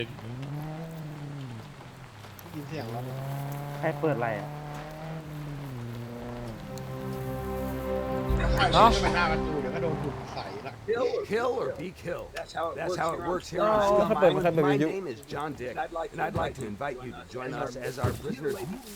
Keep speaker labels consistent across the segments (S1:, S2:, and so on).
S1: ยินเสียงแล้ว
S2: ใครเปิดอะไรอ่ะ
S1: ค่อยๆวิ่งไปหน้าประตูเดี๋ยวก็โดนหุ่นใส่ละ
S3: Kill or be killed. That's how it works here.
S4: My
S3: name is John Dick, and I'd like to invite you to join us as our prisoners.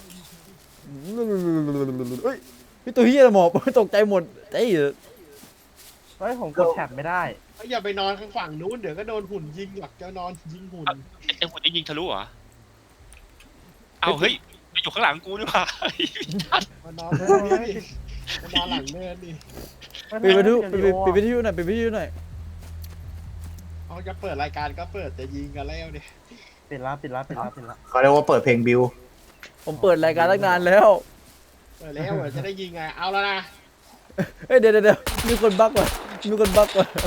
S4: เฮ้ยพี่ตัวเฮียหมอบตกใจหมดเอ้ย
S2: เฮ้ยผมกดแท็บไม่ได้
S1: อย่าไปนอนข้างฝั่งนู้นเดี๋ยวก็โดนหุ่นยิงหลักจะนอนยิงหุ่น
S5: ไอ้หุ่นนี่ยิงทะลุเหรอเอาเฮ้ยมันอยู่ข้างหลังกูนี่หว่า
S1: มานอนตรงนี้ดิมานอนหลังเนินดิ
S4: ปิดวิทยุปิดวิทยุหน่อยปิดวิทยุหน่อย
S1: เอาจะเปิดรายการก็เปิดจะยิงกันแล้วดิ
S2: ปิดละปิดละปิดละปิดละ
S6: เขาเรียกว่าเปิดเพลงบิว
S4: ผมเปิดรายการตั้งนานแล้ว
S1: เปิดแล้วจะได้ยิงไงเอาแล้วนะ
S4: เฮ้ยเดี๋ยวมีคนบั๊กว่ะมีคนบั๊กว่ะ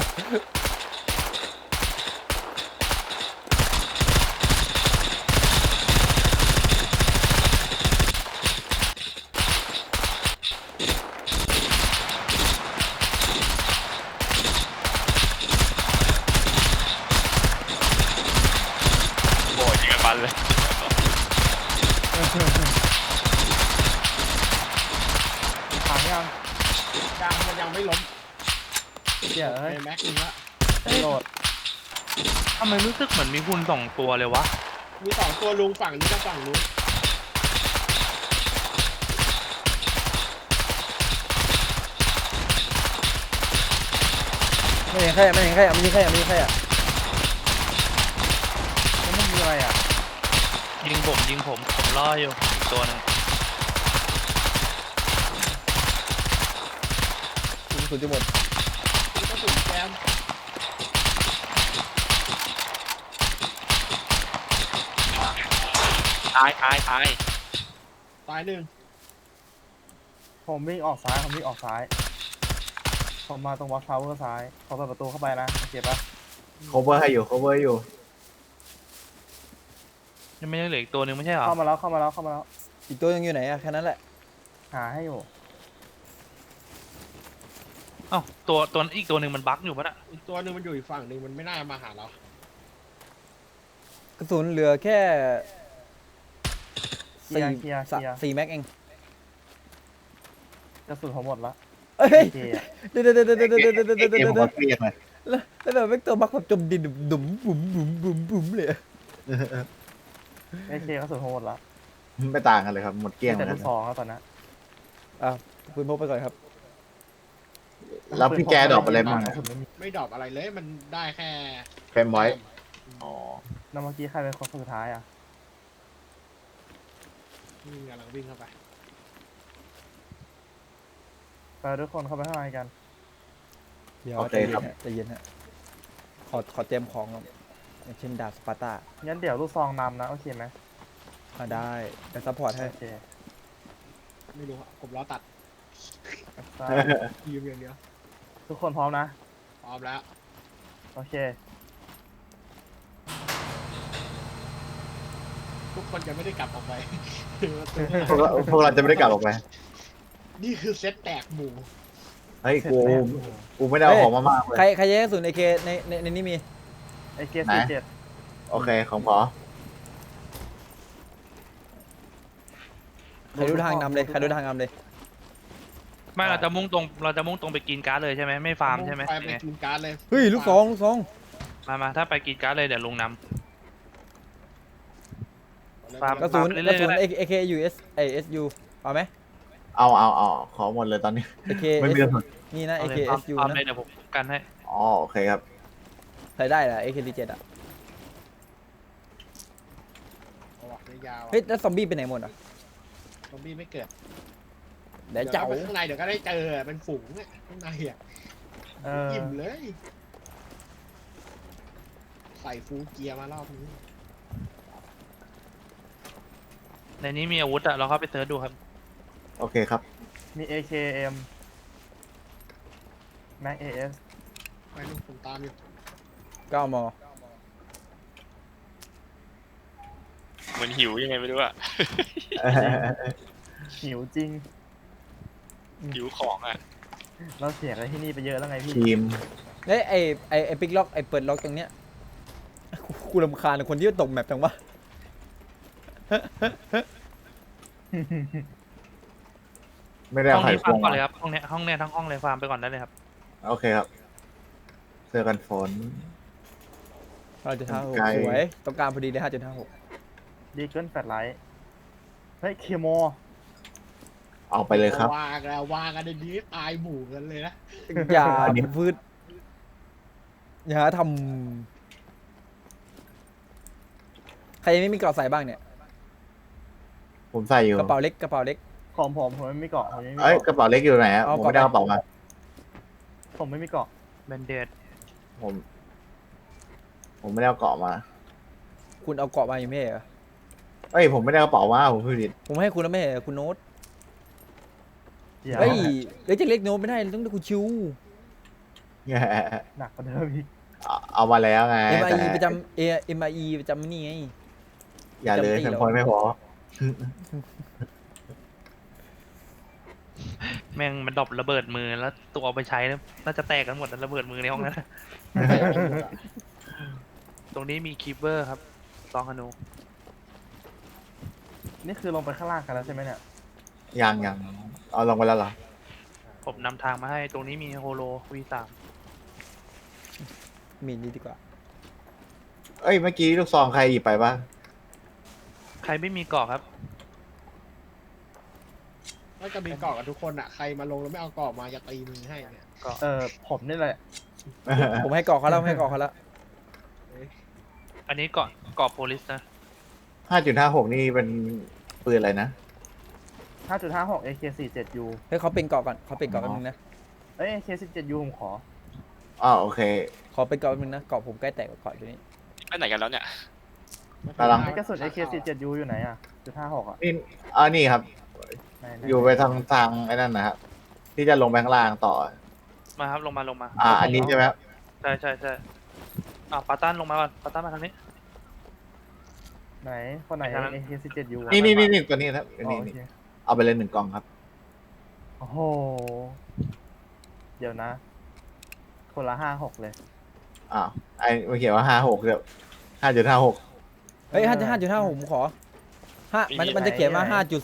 S5: โอ้ยยิงกันมันเลย
S2: ถามยัง
S1: ยังมันยังไม่ล้ม
S2: เดี๋ยว
S1: ไอ้
S2: เฮ้ย
S1: แม็กซ์นึงละ
S2: โหลด
S7: ทำไมรู้สึกเหมือนมีหุ่น2 ตัวเลยวะ
S1: มีสองตัวลุงฝั่งนี้กับฝั่งนู้น
S4: ไม่เห็นใครไม่เห็นใครไม่มีใครไม่มีใครอ่ะ
S2: แล้วมันมีอะไรอ่ะ
S7: ยิงผมล่ออยู่อีกตัวหนึง
S4: สุดจะหมด
S1: มีกระสุนแจม
S5: ตาย
S1: ตายหนึ่ง
S2: ผมวิ่งออกซ้ายผมวิ่งออกซ้ายผมมาตรงวอล์กทาวเวอร์ซ้ายพอเปิดประตูเข้าไปนะเก็บปะ
S6: cover ให้อยู่ cover อยู่
S7: ยังไม่ได้เหลืออีกตัวหนึงไม่ใช่เหรอ
S2: เข้ามาแล้วเข้ามาแล้วเข้ามาแล้ว
S4: อีกตัวยังอยู่ไหนอ่ะแค่นั้นแหละ
S2: หาให้อยู่
S7: เอ้าตัวอีกตัวหนึงมันบั๊กอยู่ปะน่ะ
S1: อีกตัวหนึ่งมันอยู่อีกฝั่งหนึ่งมันไม่น่ามาหาเรา
S4: กระสุนเหลือแค่
S2: เคลียร์เคลียร์เคลียร์
S4: 4 แม็กเอง
S2: กระสุนผมหมดละ
S4: เอ้ย
S2: เคอะ
S4: เดี๋ยว
S6: เกมผมเครียดเลย
S4: แล้วแบบแม็กตัวบั๊กแบบจมดินดุ๋มบุ๋มบุ๋มบุ๋มบุ๋มเลย
S2: ไอเคกระสุนผมหมดละ
S6: ไม่ต่างกันเลยครับ หมดเกลี้ยง
S2: แต่
S6: เล
S2: ลู
S6: ย
S2: กซองแล้วตอนนั้น
S4: คุณพกไปก่อนครับ
S6: แล้วพี่แกดรอปอะไรบ้าง
S2: กระสุนไม่มี
S1: ไม่ดรอปอะไรเลยมันได้แค่
S6: เฟรมไว้อ๋อ
S2: แล้วเมื่อกี้ใครเป็นคนสุดท้ายอ่ะ
S1: นี่กำลังวิ่งเข้าไป
S2: ไปทุกคนเข้าไปข้างในกัน
S4: เดี๋ยวใจเย็นฮะใจเย็นฮะขอเตรียมของก่อนอย่างเช่นดาบสปาร์ตา
S2: งั้นเดี๋ยวลูกซองนำนะโอเคไหม
S4: ได้แต่ซัพพอร์ตให้
S2: โอเค
S1: ไม่รู้อะผมล้อตัด
S2: ได้
S1: ยืมอย่างเดียว
S2: ทุกคนพร้อมนะ
S1: พร้อมแล้ว
S2: โอเค
S1: ทุกคนจะไม่ได้กลับออกไป
S6: พวกเราจะไม่ได้กลับออกไป
S1: นี่คือเซตแตกหมู่
S6: เฮ้ยกูไม่ได้เอาของมามากเลย
S4: ใครแย่กระสุนในเคในนี้มี
S2: ไอเกสี่เจ็ด
S6: โอเคของพอ
S4: ใครดูทางนำเลยใครดูทางนำเลย
S7: ไม่เราจะมุ่งตรงไปกินการ์ดเลยใช่ไหมไม่ฟาร์มใช่ไหม
S1: ไป
S7: ยังไง
S1: กินการ์ดเลย
S4: เฮ้ยลูกซอง
S7: มาถ้าไปกินการ์ดเลยเดี๋ยวลุงน ฟาร์ม
S4: กระสุน
S7: เรื่
S4: กระ
S7: อยๆ
S4: สุน
S7: ก็ได้
S4: AK US SU เอาไหม
S6: เอาขอหมดเลยตอนนี้
S4: AK
S6: ไม่มีกระสุน
S4: นี่
S7: ำ
S4: นะ
S7: เอาเลย
S4: AK
S7: ฟาร์ม
S4: SU
S7: ฟาร์ม
S4: นะ
S7: เลยเดี๋ยวผมกันให้
S6: อ๋อโอเคครับ
S4: ใส่ได้แหละ AK47 อ่ะ
S1: เอาออกยาวๆ
S4: เฮ้ยแล้วซอมบี้ไปไหนหมดอ่ะ
S1: ซอมบี้ไม่เกิด
S4: เดี๋ยวเจ้า
S1: ไปข้างในเดี๋ยวก็ได้เจอเป็นฝูงเนี่ยข้างในอ่ะ อิ่มเลย ใส่ฟูลเกียร์มารอบนี้
S7: ในนี้มีอาวุธอะเราเข้าไปเซิร์ชดูครับ
S6: โอเคครับ
S2: มี AKM Mac AS
S1: ไปลูกผมตามอยู่
S4: 9 ม
S5: เหมือนหิวยังไงไม่รู้อะ
S2: หิวจริง
S5: หิวของอะ
S2: เราเสียอะไรที่นี่ไปเยอะแล้วไงพี่
S6: ทีม
S4: เฮ้ยไอปิกล็อกไอเปิดล็อกตรงเนี้ยกูรำคาญคนที่ตกแมปจังวะ
S6: ไม่ได้
S7: ห้
S6: เอา
S7: อง
S6: ไข่
S7: นี้
S6: พ
S7: ฟาร์
S6: ว
S7: ม
S6: ง
S7: ก่อน
S6: มา
S7: เลยครับห้องเนี้ยทั้งห้องเลยฟาร์มไปก่อนได้เลยครับ
S6: โอเคครับ เสื้อกันฝน
S4: 5.56
S6: ไกล
S4: สวยต้องการพอดีเลย5.56
S2: ดีเกินแฟลชไลท์เฮ้ยเคโม
S6: เอาไปเลยครับ
S1: วางแล้ววางกันในนี้ตายหมู่กันเลยนะ
S4: อย่าพืชอย่าทำใครยังไม่มีเกราะใส่บ้างเนี่ย
S6: ผมใส่อยู่
S4: กระเป๋าเล็กกระเป๋าเล็ก
S2: ของผมไม่มีเกาะผมไม่มี
S6: เอ้ย
S2: เกาะ
S6: กระเป๋าเล็กอยู่ไหนอะ
S4: เอา
S6: ผมไม่ได้
S4: ก
S6: ก
S4: ระ
S6: ระ
S4: เป๋า
S6: เป๋ามา
S2: ผมไม่มีเกาะ
S7: แบนเดด
S6: ผมไม่ได้เอาเกาะมา
S4: คุณเอาเกราะมาอยู่ไม่ใช่เหรอ
S6: เอ้ยผมไม่ได้กระเป๋ามาผมพูดผิด
S4: ผมให้คุณแล้วไม่ใช่เหรอคุณโน้ต
S2: เดี๋ยว
S4: เฮ้ยจะเล็กโน้ตไม่ได้ต้องได้คุณชิว
S2: หนักกว่าเดิมอีก
S6: เอามาแล้วไง
S4: MIE
S6: แต่
S4: ประจำMIE ประจำนี่ไง
S6: อย่าเลย
S4: จำตี
S6: ฉัน
S4: เหรอ
S6: พอยไม่พอ
S7: แม่งมันดรอประเบิดมือแล้วตัวเอาไปใช้แล้วน่าจะแตกกันหมดนะระเบิดมือในห้องนั้น ตรงนี้มีคีเปอร์ครับซองฮานู
S2: นี่คือลงไปข้างล่างกันแล้วใช่ไหมเนี่ย
S6: ยังเอาลงไปแล้วเหรอ
S7: ผมนำทางมาให้ตรงนี้มีโฮโล V3
S4: มีนี่ดีกว่า
S6: เอ้ยเมื่อกี้ลูกซองใครหยิบไปบ้าง
S7: ใครไม่มีเกาะครับ
S1: ถ้าจะมีเกาะกับทุกคนอ่ะใครมาลงแล้วไม่เอาเกาะมาจะตีมือให้เนี่ย
S2: ผมนี่แหละ
S4: ผมให้เกราะเขาแล้วให้เกราะเขาแล้ว
S7: อันนี้เกาะโพลิสนะ
S6: 5.56 นี่เป็นปืนอะไรนะ
S2: 5.56 AK47U
S4: ให้เขาเป็นเกราะก่อนเขาเป็นเกราะแป๊บนึงนะ
S2: เอ้ย AK17U ผมขอ
S6: อ๋อโอเค
S4: ขอเป็นเกราะแป๊บนึงนะเกราะผมใกล้แตกกว่าเกราะอยู่นี่
S5: ไปไหนกันแล้วเนี่ย
S6: กำลัง
S2: ไอ้กระสุน AK17U อยู่ไหนอ่ะ.56อ่ะ
S6: นี่นี่ครับ
S2: ไหน
S6: อยู่ไปทางไอ้นั่นนะครับที่จะลงไปข้างล่างต่อ
S7: มาครับลงมา
S6: อันนี้ใช่ไหมครับ
S7: ใช่ปาตันลงมาก่อนปาตันมาทางนี้
S2: ไหนคนไหน
S7: ไปทางนั้น
S2: AK17U
S6: นี่ตัวนี้ครับ
S2: อ๋อ
S6: นี่
S2: โอเค
S6: เอาไปเลย1 กล่องครับ
S2: โอ้โห เดี๋ยวนะ คนละ56เลย
S6: อ้าวไอ้มันเขียนว่า56เดี๋ยว5.56
S4: เฮ้ย5.56ผมขอมันจะเขียนว่า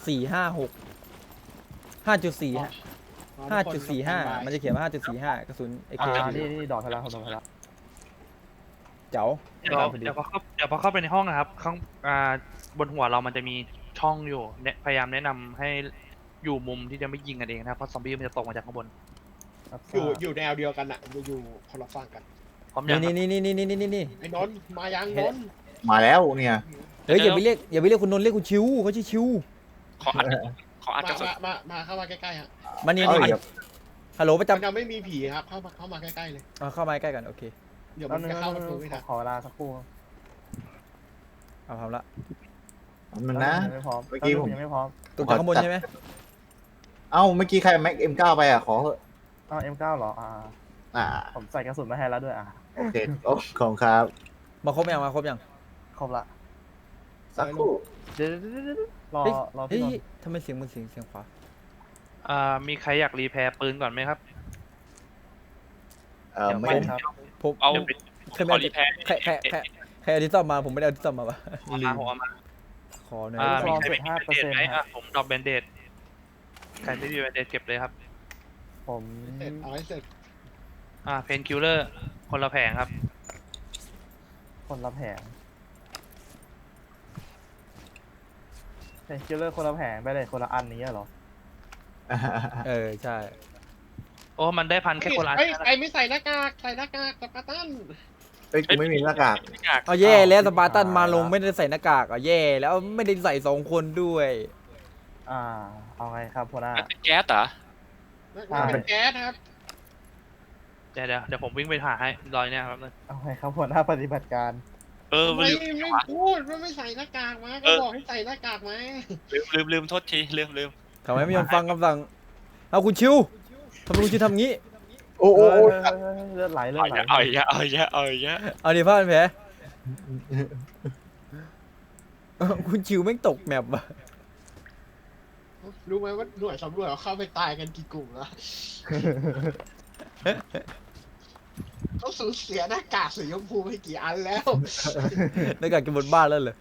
S4: 5.45มันจะเขียนว่า5.45กระสุน AK
S2: นี่ดอกทะลักดอกทะลัก
S4: เจ๋า
S7: เดี๋ยวพอเข้าไปในห้องนะครับข้างบนหัวเรามันจะมีช่องอยู่เนี่ยพยายามแนะนำให้อยู่มุมที่จะไม่ยิงกันเองนะครับเพราะซอมบี้มันจะตกมาจากข้างบน
S1: อยู่แนวเดียวกันอ่ะอยู่คนละฝั่งกัน
S7: พร้อมยังครับ
S4: นี่
S1: ไอ้นนท์มายังนนท์
S6: มาแล้วเนี่ย
S4: เฮ้ยอย่าไปเรียกคุณนนท์เรียกคุณชิวเขาชื่อชิว
S5: ขออัดกระสุน
S1: มาเข้ามาใกล้ๆฮะ
S4: มานี่
S6: เอ้ย
S4: ฮัลโหลประ
S1: มัน
S4: จำ
S1: ยังไม่มีผีครับเข้ามาใกล้ๆเลย
S4: เข้ามาใกล้กันโอเค
S1: เดี๋ยว
S2: แป๊
S1: มั
S2: บ
S1: น
S2: นึง
S1: จะเข้าประตูไม่ทัน
S2: ขอเวลาสักครู่
S4: เอาทำละ
S6: มันนะ
S2: ยังไม่พร้อม
S6: เมื่อกี้ผม
S2: ยังไม่พร้อม
S4: ตกจากข้างบนใช่ไหม
S6: เอ้าเมื่อกี้ใครแม็ก M9 ไปอ่ะขอเถอะ
S2: M9 เหรอผมใส่กระสุนมาให้แล้วด้วย
S6: โอเคโอ้ของครับ
S4: มาครบยัง
S2: ครบละ
S6: สักครู่
S2: เดี๋ยวรอ
S4: เฮ้ย
S2: พี่นนท์
S4: ทำไมเสียงมันเสียงขวา
S7: มีใครอยากรีแพร์ปืนก่อนไหมครับ เดี๋ยว
S6: ไม่
S7: ไม่
S2: ครับ
S4: ผม
S5: เอา
S4: ใครไม่
S5: ขอ
S4: เอา
S5: รีแพร์
S4: ใครเอาดิสตอมมาผมไม่ได้เอาดิสตอมมาปะ
S7: ผมเอามา
S4: ขอหน่อย
S7: มีใครไม่มีแบนเดดไหมผมดรอปแบนเดดใครไม่มีแบนเดดเก็บเลยครับ
S2: ผม
S1: เสร็จเอาให้เสร็จ
S7: เพนคิลเลอร์คนละแผงครับ
S2: คนละแผงเป็นคิลเลอร์คนละแผงไปเลยคนละอันนี้เหรอ
S4: ใช่
S7: โอ้มันได้พันแค่คนละอัน
S1: ไอ้ไม่ใส่หน้ากากสปาร์ตัน
S6: เอ้ยกูไม่มีหน้ากาก
S4: เอาแย่แล้วสปาร์ตันมาลงไม่ได้ใส่หน้ากากอ่ะแย่แล้วไม่ได้ใส่2 คนด้วย
S2: เอาไงครับหัวหน้า
S5: เป็นแก๊สเหรอ
S1: เป็นแก๊สครับ
S7: เดี๋ยวผมวิ่งไปหาให้รอยเนี่ยครับ
S2: เอาไงครับหัวหน้าปฏิบัติการ
S5: มัน
S1: ไม่
S5: ลืม
S1: ไม่พูดว่าไม่ใส่หน้ากากมาก็บอกให้ใส่หน้ากากมา
S5: ลืมโทษทีลืม
S4: ทำไมไม่ยอมฟังคำสั่งเอาคุณชิวทำไมคุณชิวทำงี้
S6: โอ้
S2: เลือดไหล
S5: เอาอีกแล้ว
S4: เอาดิผ้าเป็นแผลคุณชิวแม่งตกแมปอ่ะ
S1: รู้ไหมว่าหน่วยสำรวจเขาเข้าไปตายกันกี่กลุ่มแล้วเขาสูญเสียหน้ากากสีชมพูไปกี่อันแล้ว
S4: ในการกินบนบ้านแล้วเลย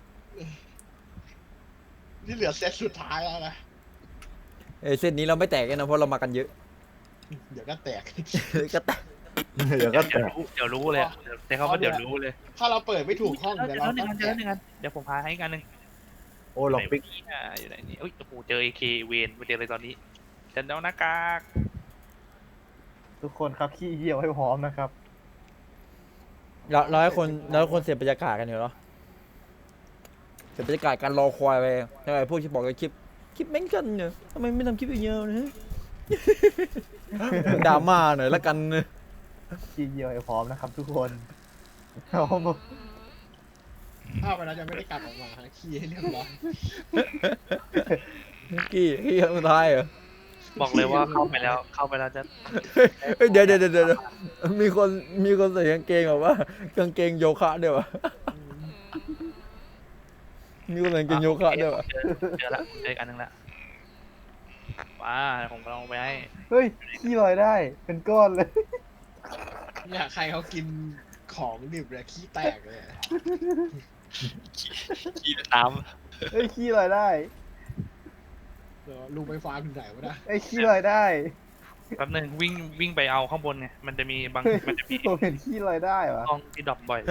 S1: นี่เหลือเซตสุดท้ายแล้วนะ
S4: เส้นนี้เราไม่แตกกันนะเพราะเรามากันเยอะ
S1: เดี๋ยวก็แตก
S4: ก็แตก
S6: เดี๋ยวก็แตก
S7: เดี๋ยวรู้เลยอะแต่เขาว่าเดี๋ยวรู้เลย
S1: ถ้าเราเปิดไม่ถูกห้อง
S7: เดี๋
S1: เดี๋
S7: ย
S1: ยว ว
S7: เรา
S1: เรา
S7: เจ
S1: ก็
S7: อ
S1: แต
S7: หนึ่ง
S1: ก
S7: อันเดี๋ยวผมพาให้อีกอันหนึ่ง
S6: โอ้ล็อกปิก
S7: อยู่ไหนนี่โอ้โหเจอ AK เวนมาเจอเลยตอนนี้ฉันเอาหน้ากาก
S2: ทุกคนครับขี้เหี่ยวให้พร้อมนะครับ
S4: เราให้คนเสียบรรยากาศกันอยู่เนาะเสียบรรยากาศการรอคอยไปทำไมพวกที่บอกในคลิปแม่งกันเนี่ยทำไมไม่ทำคลิปยาวๆนะดราม่าหน่อยละกันนะ
S2: ขี้เหี่ยวให้พร้อมนะครับ ทุกคนเอามา
S1: ถ้าไปแล้วจะไม่ได้กลับออกมาฮะขี้ให้เรียบร้อย
S4: กี้ครั้งสุดท้ายเหรอ
S7: บอกเลยว่าเข้าไปแล้วจะ
S4: เฮ้ยเดี๋ยวมีคนใส่กางเกงแบบว่ากางเกงโยคะด้วยวะมีคนใส่กางเกงโยคะด้วยวะ
S7: เจอละเจออีกอันหนึงละว้าผมลองไปให้
S2: เฮ้ยขี้ลอยได้เป็นก้อนเลย
S1: เนี่ยใครเขากินของดิบเลยขี้แตกเลยอะ
S5: ขี้น้
S2: เฮ้ยขี้ลอยได้
S1: เดี๋ยวลุงไปฟาร์มถึงไหนวะนะ
S2: ไอ้ยขี้ลอยได้
S7: แป๊บนึงวิ่งไปเอาข้างบนไงมันจะมีบาง
S2: เฮ้ย
S7: มันจะมี
S2: ผมเห็นขี้ลอยได้วะ
S7: ห้องที่ดรอปบ่อย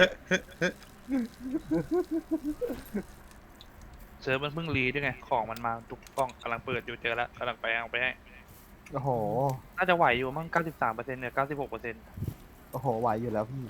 S7: เซิร์ฟมันเพิ่งรีด้วยไงของมันมาทุกกล้องกำลังเปิดอยู่เจอแล้วกำลังไปเอาไปให้
S2: โอ้โห
S7: น่าจะไหวอยู่มั้ง 93%เนี่ย 96%
S2: โอ้โหไหวอยู่แล้วพี่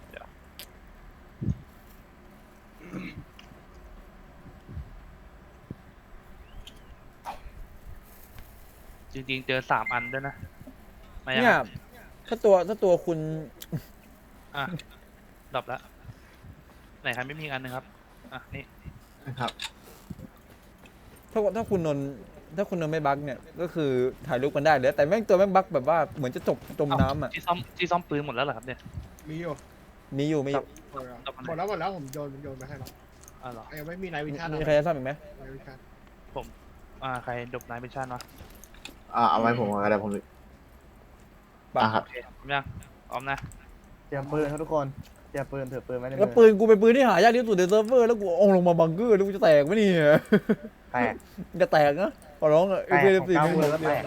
S7: จริงๆ เจอ 3 อันด้วยนะไม่
S4: เนี่ยถ้าตัวคุณ
S7: อ่ะดรอปแล้วไหนครับไม่มีอีกอันหนึงครับอ่ะนี่
S6: นะครับ
S4: ถ้าคุณนนท์ไม่บั๊กเนี่ยก็คือถ่ายรูปกันได้เลยแต่แม่งตัวแม่งบั๊กแบบว่าเหมือนจะจมน้ำอ่ะ
S7: ที่ซ่อมปืนหมดแล้วเหรอครับเนี่ย
S1: มีอยู่
S4: มีอยู่
S1: หมดแล้วผมโยนไปให้แล้ว
S7: อ๋อเหรอ
S1: ยังไม่มีนายวิชา
S4: มีใครจะซ่อมอีกไหม
S1: นายวิชา
S7: ใครดบนายเป็นชาติวะ
S6: เอาไว้ผมก็ได้ผม
S4: บั๊ก
S6: ครับ
S7: โอเคพร้อมยังพร้อมนะ
S2: เตรียมปืนครับทุกคนเตรียมปืนถือปืนไว้ในมื
S4: แล้ว
S2: อ
S4: ปืนกูเป็นปืนที่หายากที่สุดในเซิร์ฟเวอร์แล้วกูเอาลงมาบังเกอร์แล้วกูจะแตกไหมเนี่ย
S2: แตก
S4: จะแตกนะขอร้องอ่ะ
S2: แตกของเก้ามือแล้วแตก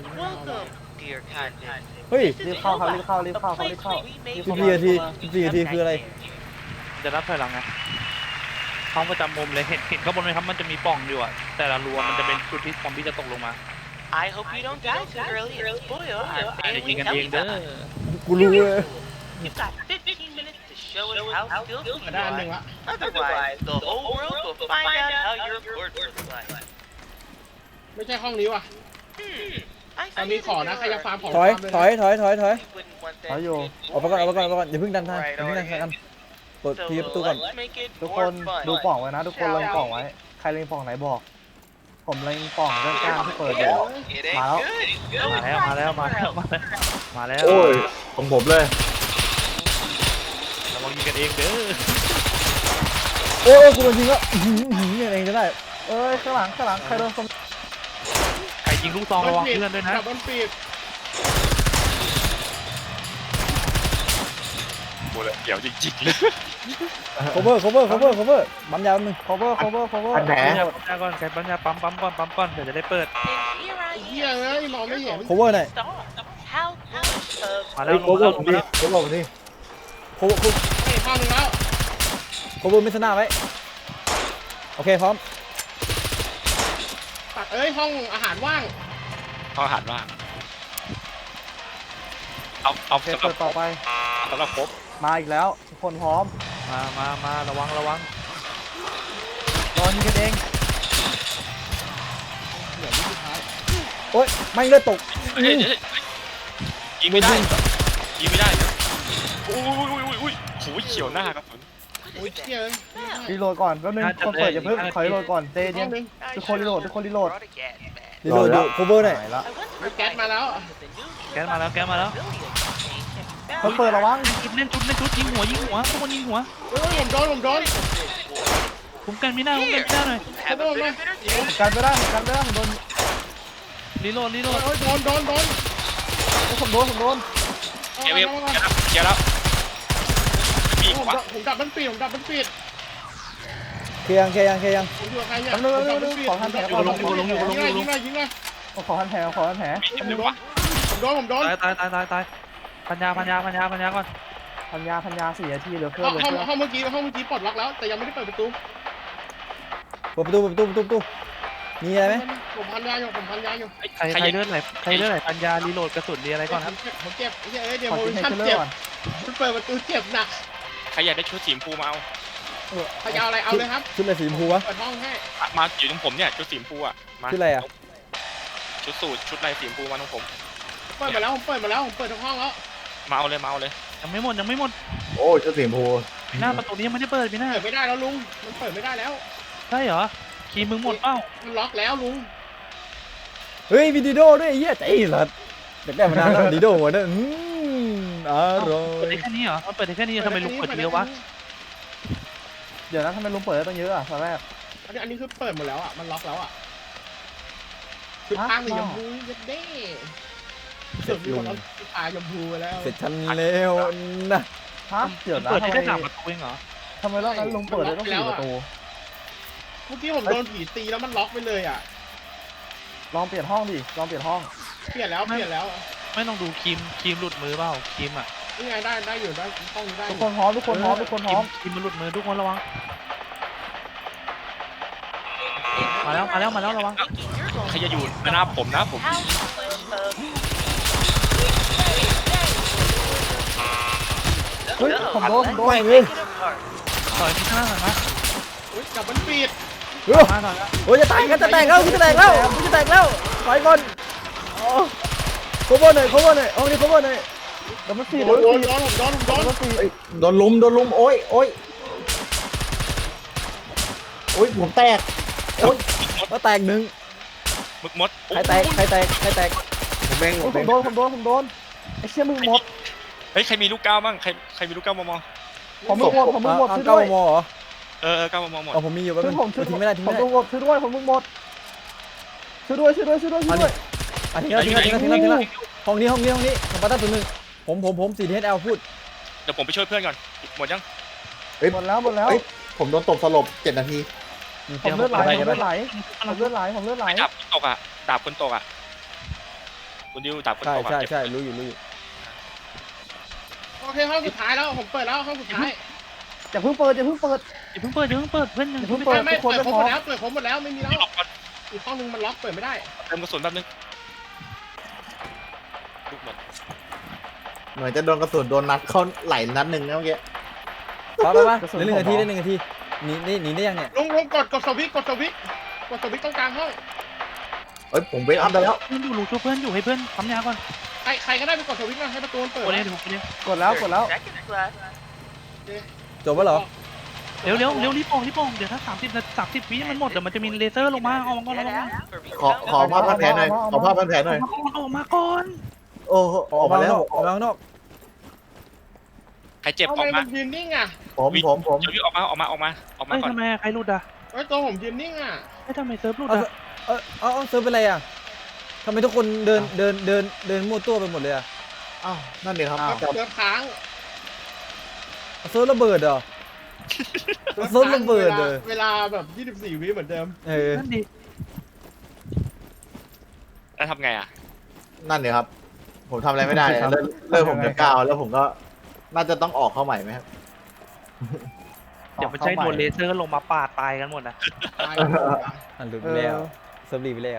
S4: เฮ้ย
S2: รีบเข้าครับรีบเข้ารีบเข้าครับรีบเข้า
S4: 14 นาทีคืออะไร
S7: จะรับถอยหลังไงห้องประจำมุมเลยเห็นข้างบนไหมครับมันจะมีปล่องอยู่อ่ะแต่ละรัวมันจะเป็นจุดที่ซอมบี้จะตกลงมา
S8: I hope you don't die too early and spoil our
S7: อาจจะยิง
S8: family
S7: กันเองเด้อ
S8: telecom.
S4: กูรู้เลย
S8: You've got 15 minutes to show us how skillful
S1: มา
S8: you
S1: ได้อันหนึ่ง
S8: are.
S1: ละ
S8: Otherwise, the whole world will find out how your reports look like.
S1: ไม่ใช่ห้องนี้ว่ะ
S8: I
S1: ตอนนี้ขอนะใครจะฟาร์มของ
S4: ถอย
S1: ฟาร์มเลย
S4: ถอย
S8: wouldn't want that
S2: ถอยอยู่
S8: good
S4: ออกไปก่อน
S8: boy
S4: อย่าเพิ่งดันทางอย่าเพิ่งดันทางกันเปิด
S8: So
S4: ทีประตูก่อน
S8: let's make it
S2: ทุกค
S8: more
S2: น
S8: fun.
S2: ดูปล่องไว้นะ ทุกคนเล็งปล่องไว้ใครเล็งปล่องไหนบอก ผมเล็งปล่องด้านข้างที่เปิดอยู่
S8: It ain't
S2: Wow.
S8: good. Go
S7: มาแล้ว
S8: find
S7: มาแล้ว
S8: somewhere
S7: มาแล้ว
S8: else.
S7: มาแล้ว
S6: โอ้ยของผมเลย
S7: ระวังยิงกันเองเด้อ
S4: โอ้ยกูโดนยิงแล้วเนี่ยเองจะได้
S2: เอ้ยข้างหลังใครโดนสม
S7: ใครยิงลูกซองระวังเพื่อนด้วยนะ
S1: ดับเบิลปีด
S5: ำกูเลยเดี๋ยวจริงๆเลย
S4: cover ปั๊มยาวนึง
S2: cover
S6: อันแผล
S7: ปัญญาก่อนใครปัญญาปั๊มก่อนเดี๋ยวจะได้เปิด
S8: And here I
S1: เฮีย
S8: am.
S1: เอ้ยมองไม่เห็น
S4: cover หน่อย
S8: Stop. How foolish of
S7: มาแล้
S6: เฮ้
S7: วย ล
S6: โค้
S7: ง
S6: ง
S7: มา
S6: ผ
S7: แล้ว
S6: ม
S7: ลง
S6: นี่
S7: มา
S6: โค้
S7: แล้ว
S6: งผมนี่
S4: cover
S1: เฮ้ยห้องนึงแล้ว
S4: cover ไม่ชนะไว้โอเคพร้อม
S1: ตัดเอ้ยห้องอาหารว่าง
S5: เขาหันว่าเอา
S2: โอเค
S5: สำหรั
S2: เปิ
S5: บ
S2: ดต่อไป
S5: สำหรับครบ
S2: มาอีกแล้ว ทุกคนพร้อม
S7: มาระวัง
S2: รอยิงกันเอง
S1: เหลือที่สุดท้าย
S4: โอ๊ยไม่เลือดตก
S5: เฮ้ยยิงไม่ได้ยิงไม่ได้เดี๋ยวอุ้ยโหเฉียวหน้ากระสุน
S1: โอ้ยเฮียเอ้ย
S2: รีโหลดก่อนแป๊บนึงคนเปิดอย่าเพิ่งขอรีโหลดก่อนเจ
S1: ห้
S2: เย็
S1: อง
S2: น
S1: นึง
S2: ทุกคนรีโหลด
S8: Brought a gas mask.
S4: ดีโดดู cover หน่อย
S2: หายละ
S8: I wonder
S1: เฮ้ย
S8: if
S1: แก๊ส
S8: I
S1: มาแล้ว
S8: with the new
S7: แกนมาแล้ว
S8: civilian change
S2: คนเปิดระวัง
S7: เล่นชุดยิงหัวทุกคนยิงหัว
S1: เฮ้ยผมโดน
S7: คุ้มกันไม่ได้หน่อย
S8: have a bit of entertainment.
S2: กันไม่ได้ผมโดน
S7: รีโหลด
S1: โอ้ยโดน
S2: ผมโดน
S5: เกียร์แล้ว
S1: ผมดับมันปิดผมดับมันปิด
S4: เคลียร์ยัง
S1: ผมอยู่กับใครเนี่ย
S2: แป๊บนึงขอทันแผลก่อน
S1: ยิงเลยยิงเลย
S2: ขอทันแผลขอทันแผล
S1: ผมโดน
S7: ตายพันยาก่อน
S2: พันยา4 นาทีเหลือเพื่อนเหลือเพื่อน
S1: ห้องเมื่อกี้ปลดล็อกแล้วแต่ยังไม่ได้เปิดประตู
S4: เปิดประตูมีอะไรไหม
S1: ผมพันยาอยู่
S7: ใครเลือดไหลพันยารีโหลดกระสุนดีอะไรก่อนครับ
S1: ผมเจ็บเดี๋ยว
S2: ขอ
S1: โม
S2: กิน
S1: ชั่น
S2: ให้เลื
S1: เจ็
S2: อบ ดก่อน
S1: มันเปิดประตูเจ็บหนัก
S5: ใครอยากได้ชุดสีชมพูมาเอา
S1: ใครเอาอะไรเอาเลยครับ
S4: ชุดอะไรสีชมพูวะ
S1: เปิดห้องให้
S5: มาอยู่ตรงผมเนี่ยชุดสีชมพูอะมา
S4: ชุดอะไรอ่ะ
S5: ชุดสูทชุดลายสีชมพูมาตรงผม
S1: เปิดมาแล้วผมเปิดทุกห้องแล้ว
S5: มาเอาเลย
S7: ยังไม่หมด
S6: โอ้ยชุดสีชมพู
S7: หน้าประตูนี้ยังไม่ได้เปิดพี่หน้า
S1: เปิดไม่ได้แล้วลุงมันเปิดไม่ได้แล้ว
S7: ใช่เหรอคีย์มึงหมดเปล่า
S1: มันล็อกแล้วลุง
S4: เฮ้ยมีดิโดด้วยไอ้เหี้ยใจสัตว์เด็กได้มานานแล้วดิโดหัวเนี่ยอร่อ
S7: เปิด
S4: ย
S7: ได้แค่นี้เหรอมันเปิดได้แค่นี้ทำไมลุงเปิดเยอะวะ
S2: เดี๋ยวนะทำไมลุงเปิดได้ตั้งเยอะอ่ะตอนแรก
S1: อันนี้คือเปิดหมดแล้วอ่ะมันล็อกแล้วอ่ะคือทางสีชมพูยัดเด้สุดมีคนเอาตายชมพูไปแล้ว
S4: เสร็จฉันแล้วนะ
S2: ฮะเดี๋ยวนะ
S7: เปิดได้
S2: ทำไม
S7: แค่3 ประตูเองเหรอ
S2: ทำไมรอบนั้นลุงเปิดได้ต้อง4 ประตู
S1: เมื่อกี้ผมโดนผีตีแล้วมันล็อกไปเลยอ่ะ
S2: ลองเปลี่ยนห้องดิลองเปลี่ยนห้อง
S1: เปลี่ยนแล้ว
S7: ไม่ต้องดูครีมหลุดมือเปล่าครีมอ่ะ
S1: นี่ไงได้อยู่ได้ห้องนี้ได้
S2: ทุกคนพร้อมทุกคนพร้อมทุกคนพร้อม
S7: ครีมมันหลุดมือทุกคนระวังมาแล้วระวัง
S5: ใครจะอยู่หน้าผมนะผม
S2: เฮ้ยผมโดน
S4: ไม่เลย
S7: ถอยที่ข้างหลังนะ
S1: จับมันปิด
S4: โอ้ยจะแตกแล้วกูจะแตกแล้วไปก่อนโคเวอร์หน่อยห้องนี้โคเวอร์หน่อย
S2: ดับเบิลซี
S1: โดนผมโดน
S2: ดับเบิลซี
S6: เอ้ยโดนลุมโอ้ยผมแตกโอ้ย
S4: ก็แตกหนึ่ง
S5: มึกมด
S4: ใครแตก
S6: ผมเอง
S2: ผมโดนไอ้เชี่ยมึงหมด
S5: เฮ้ยใครมีลูกก้าวบ้างใครมีลูกก้าวมอง
S2: ผมมึงหมดช่วย
S4: เก้า
S2: ด้วย
S4: มอเหรอ
S5: ก้าวมองหมด
S4: อ๋อผมมีอยู่แป๊บนึง ทิ้งไม่ได้
S2: ผมมึงหมดช่วยด้วยผมมึงหมดช่วยด้วย
S4: ทิ้งแล้วห้องนี้ของปาต้าตัวหนึ่งผม4TSL พูด
S5: เดี๋ยวผมไปช่วยเพื่อนก่อนหมดยัง
S2: หมดแล้ว
S6: ผมโดนตบสลบ7 นาที
S2: ผมเลือดไหล
S5: ดาบคนตกอ่ะดาบคนตกอ่ะคุณดิวดาบคนตกอ่ะ
S4: ใช่รู้อยู่
S1: โอเคห้องสุดท้ายแล้วผมเปิดแล้วห้องสุดท้าย
S2: อย่าเพิ่งเปิด
S7: อย่าเพิ่งเปิดเพื่อนยัง
S2: เปิด
S1: ไม่
S2: ทุกคน
S1: เปิด
S2: ไม่
S1: ผม
S2: พ
S1: หม
S2: อ
S1: ดแล้วเปิดผมหมดแล้วไม่มีแล้ว
S5: ล็อกก่อน
S1: อีกห้องนึงมันล็อกเปิดไม่ได้
S5: เติมกระสุนแป๊บนึงลูกหมด
S6: เหมือนจะโดนกระสุนโดนนัดเข้าไหลนัดหนึ่งนะเมื่อกี้
S4: ไปเหลือ1 นาทีได้1 นาทีหนีได้ยังเนี่ย
S1: ลุงกดสวิตช์ต้องกลางห้อง
S6: เอ้ยผมเวกอัพได้แล้ว
S7: เพื่อนอยู่ลุงช่วยเพื่อนอยู่ให้เพื่อนทำยาก่อน
S1: ใครก็ได้ไปกดสวิตช์มาให้ประตูเปิด
S7: โอ้ยเดี๋ยวผมไปเรียก
S2: กดแล้ว
S8: Second class.
S4: จบแล้วเหรอ
S7: เร็วรีบโป่งเดี๋ยวถ้า30 วิมันหมดเดี๋ยวมันจะมีเลเซอร์ลงมาเอามาก่อน
S8: Get
S7: ระวัง
S8: out for me.
S6: ขอภาพพันแผลหน่อยขอภาพพันแผลหน่อย
S7: ออกมาก่อน
S6: โอ้โหออกมาแล้ว
S4: ออกมาข้างนอก
S5: ใครเจ็บ
S1: ทำ
S5: อ
S1: ไม
S5: อก
S1: มั
S5: มาน
S1: ยืนนิ่งอ่ะ
S6: ผม
S5: เดี๋ยวออกมา
S7: เฮ้ย
S5: ก่อน
S7: ทำไมใครหลุดอ่ะ
S1: ตัวผมยืนนิ่งอ่ะ
S7: ทำไมเซิร์ฟหลุด
S4: เอา
S7: อ่ะ
S4: เอาเซิร์ฟเป็นไรอ่ะทำไมทุกคนเดินมั่วตัวไปหมดเลยอ่ะ
S6: อ้าวนั่นดีครับ
S1: เสือค้าง
S4: เซิร์ฟระเบิดเหรอเซิร์ฟระเบิดเลย
S1: เวลาแบบ24 วิเหมือนเดิม
S7: นั่นดิ
S5: แล้วทำไงอ่ะ
S6: นั่นดีครับ ผมทำอะไรไม่ได้เลยเลิกผมจะก้าวแล้วผมก็น่าจะต้องออกเข้าใหม่ไหมครับ
S7: เดี๋ยวมันใช้โดนเลเซอร์ลงมาปาดตายกันหมดนะ
S1: ตาย
S4: อ่ะหลุดไปแล้วเซิร์ฟรีไปแล้ว